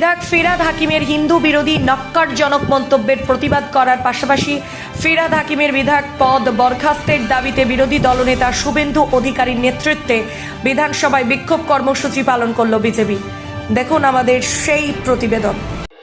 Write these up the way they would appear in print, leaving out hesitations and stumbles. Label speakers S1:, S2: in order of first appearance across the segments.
S1: বিধায়ক ফিরহাদ হাকিমের হিন্দু বিরোধী নক্কারজনক মন্তব্যের প্রতিবাদ করার পাশাপাশি ফিরহাদ হাকিমের বিধায়ক পদ বরখাস্তের দাবিতে বিরোধী দলনেতা শুভেন্দু অধিকারীর নেতৃত্বে বিধানসভায় বিক্ষোভ কর্মসূচি পালন করল বিজেপি। দেখুন আমাদের সেই প্রতিবেদন।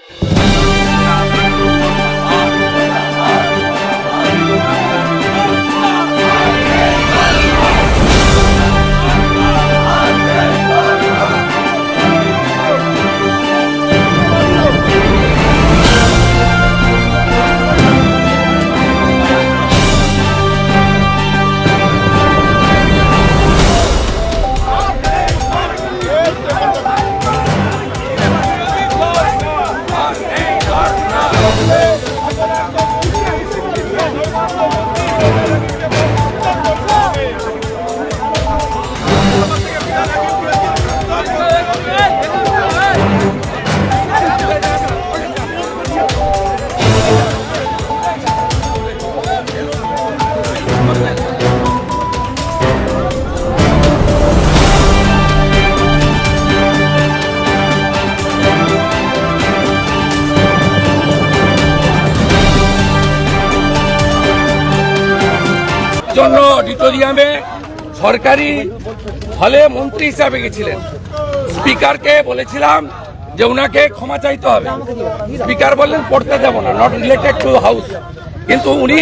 S2: জন্য অডিটোরিয়ামে সরকারি হলে মন্ত্রী হিসাবে গেছিলেন। স্পিকারকে বলেছিলাম যে উনাকে ক্ষমা চাইতে হবে। স্পিকার বললেন পড়তে দেব না, নট রিলেটেড টু হাউস। কিন্তু উনি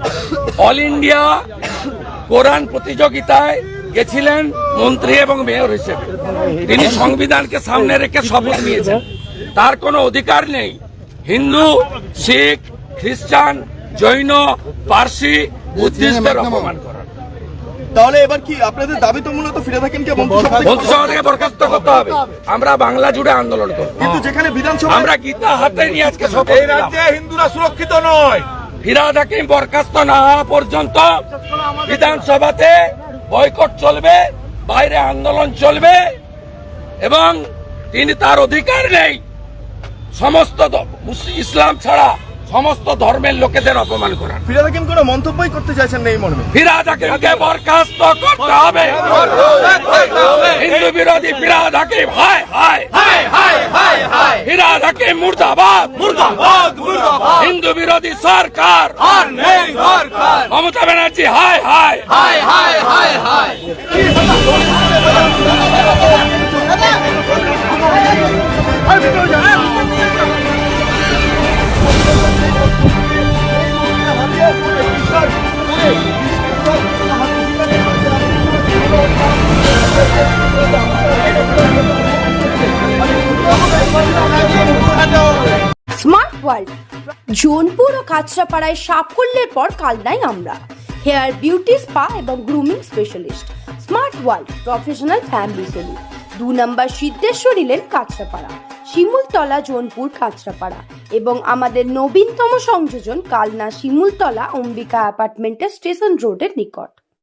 S2: অল ইন্ডিয়া কোরআন প্রতিযোগিতায় গেছিলেন মন্ত্রী এবং মেয়র হিসেবে। তিনি সংবিধানকে সামনে রেখে শপথ নিয়েছেন। তার কোনো অধিকার নেই হিন্দু, শিখ, খ্রিস্টান, জৈন, পার্সি, বুদ্ধিস্টদের অপমান করার।
S3: তাহলে এবার কি আপনাদের দাবি তো মূলত ফিরহাদ হাকিমকে
S2: মন্ত্রিসভা থেকে বরখাস্ত করতে হবে। আমরা বাংলা জুড়ে আন্দোলন করব,
S3: কিন্তু যেখানে বিধানসভা
S2: আমরা গীতা হাতে নিয়ে আজকে
S4: এই রাজ্যে হিন্দুরা সুরক্ষিত নয়।
S2: ফিরহাদ হাকিম বরখাস্ত না হওয়া পর্যন্ত বিধানসভাতে বয়কট চলবে, বাইরে আন্দোলন চলবে এবং তিনি তার অধিকার নেই সমস্ত ইসলাম ছাড়া সমস্ত ধর্মের লোকেদের অপমান করার।
S3: ফিরহাদ হাকিম কোনো মন্তব্যই করতে চাইছেন না এই মর্মে।
S2: ফিরহাদ হাকিমকে বরখাস্ত করতে হবে। হিন্দু বিরোধী ফিরহাদ হাকিম হায় হায় হায় হায় হায় হায়। ফিরহাদ হাকিম মুর্দাবাদ মুর্দাবাদ মুর্দাবাদ। হিন্দু বিরোধী সরকার আর নেই দরকার। মমতা ব্যানার্জি হায় হায় হায় হায় হায় হায়।
S5: স্মার্ট ওয়ার্ল্ড জোনপুর ও কাঁচরাপাড়ায় সাফল্যের পর কালনাই আমরা হেয়ার বিউটি স্পা এবং grooming specialist. Smart world professional family salon, 2 number Siddheshwari lane, Kanchrapara, Shimultala, Jonpur, Kanchrapara এবং আমাদের নবীনতম সংযোজন কালনা শিমুলতলা অম্বিকা অ্যাপার্টমেন্টের স্টেশন রোডের নিকট।